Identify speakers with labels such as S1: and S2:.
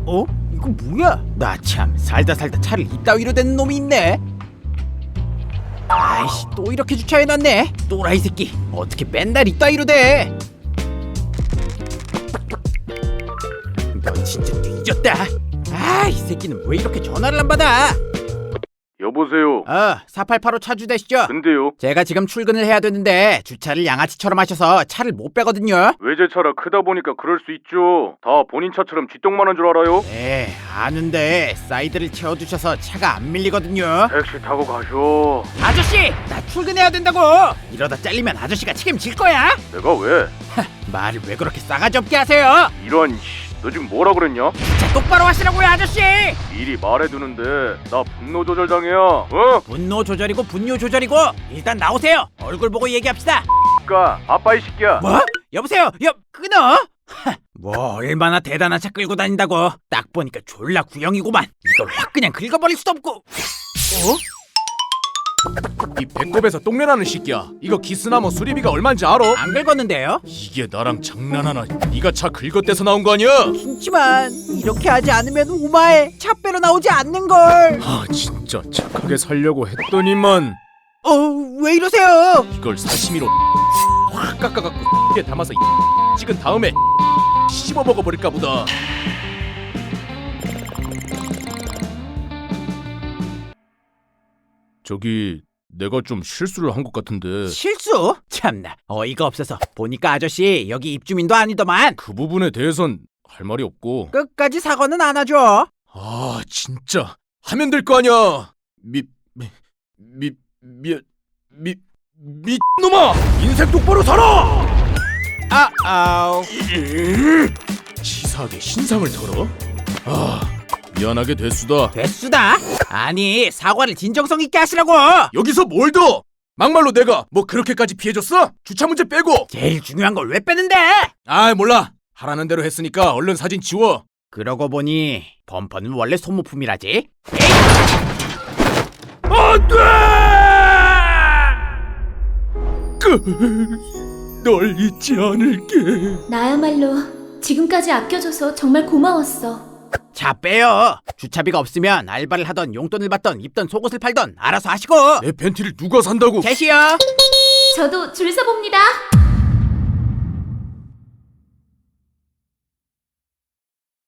S1: 어? 이거 뭐야? 나 참 살다 차를 이따위로 댄 놈이 있네. 아이씨, 또 이렇게 주차해놨네. 또라이 새끼, 어떻게 맨날 이따위로 돼? 넌 진짜 뒤졌다. 아, 이 새끼는 왜 이렇게 전화를 안 받아?
S2: 여보세요.
S1: 4885 차주되시죠?
S2: 근데요,
S1: 제가 지금 출근을 해야 되는데 주차를 양아치처럼 하셔서 차를 못 빼거든요.
S2: 외제차라 크다 보니까 그럴 수 있죠. 다 본인 차처럼 쥐똥만한 줄 알아요?
S1: 네, 아는데 사이드를 채워두셔서 차가 안 밀리거든요.
S2: 택시 타고 가쇼.
S1: 아저씨, 나 출근해야 된다고. 이러다 잘리면 아저씨가 책임질 거야.
S2: 내가 왜?
S1: 말을 왜 그렇게 싸가지 없게 하세요?
S2: 이런 너 지금 뭐라 그랬냐?
S1: 자, 똑바로 하시라고요, 아저씨.
S2: 미리 말해두는데 나 분노 조절 당해야. 어?
S1: 분노 조절이고 분뇨 조절이고. 일단 나오세요. 얼굴 보고 얘기합시다.
S2: 까 아빠 이 새끼야.
S1: 뭐? 여보세요? 끊어? 뭐 얼마나 대단한 차 끌고 다닌다고. 딱 보니까 졸라 구형이구만. 이걸 확 그냥 긁어버릴 수도 없고. 어?
S3: 이 배꼽에서 똥내나는 새끼야. 이거 기스나무 수리비가 얼마인지 알아?
S1: 안 긁었는데요?
S3: 이게 나랑 장난하나? 네가 차 긁어대서 나온 거 아니야?
S1: 그렇지만 이렇게 하지 않으면 오마에 차 빼러 나오지 않는걸.
S3: 아 진짜 착하게 살려고 했더니만
S1: 왜 이러세요?
S3: 이걸 사시미로 확 깎아갖고 에 담아서 찍은 다음에 씹어 먹어버릴까 보다. 저기 내가 좀 실수를 한 것 같은데
S1: 실수? 참나, 어이가 없어서. 보니까 아저씨 여기 입주민도 아니더만.
S3: 그 부분에 대해선 할 말이 없고.
S1: 끝까지 사과는 안 하죠.
S3: 아 진짜 하면 될 거 아니야. 미놈아, 인생 똑바로 살아.
S1: 아우.
S3: 치사하게 신상을 털어? 아 미안하게 됐수다.
S1: 됐수다? 아니, 사과를 진정성 있게 하시라고.
S3: 여기서 뭘 더? 막말로 내가 뭐 그렇게까지 피해줬어? 주차 문제 빼고.
S1: 제일 중요한 걸 왜 빼는데?
S3: 아 몰라, 하라는 대로 했으니까 얼른 사진 지워.
S1: 그러고 보니 범퍼는 원래 소모품이라지.
S3: 안돼! 널 잊지 않을게.
S4: 나야말로 지금까지 아껴줘서 정말 고마웠어.
S1: 자, 빼요. 주차비가 없으면 알바를 하던 용돈을 받던 입던 속옷을 팔던 알아서 하시고.
S3: 내 팬티를 누가 산다고?
S1: 제시요.
S4: 저도 줄 서봅니다.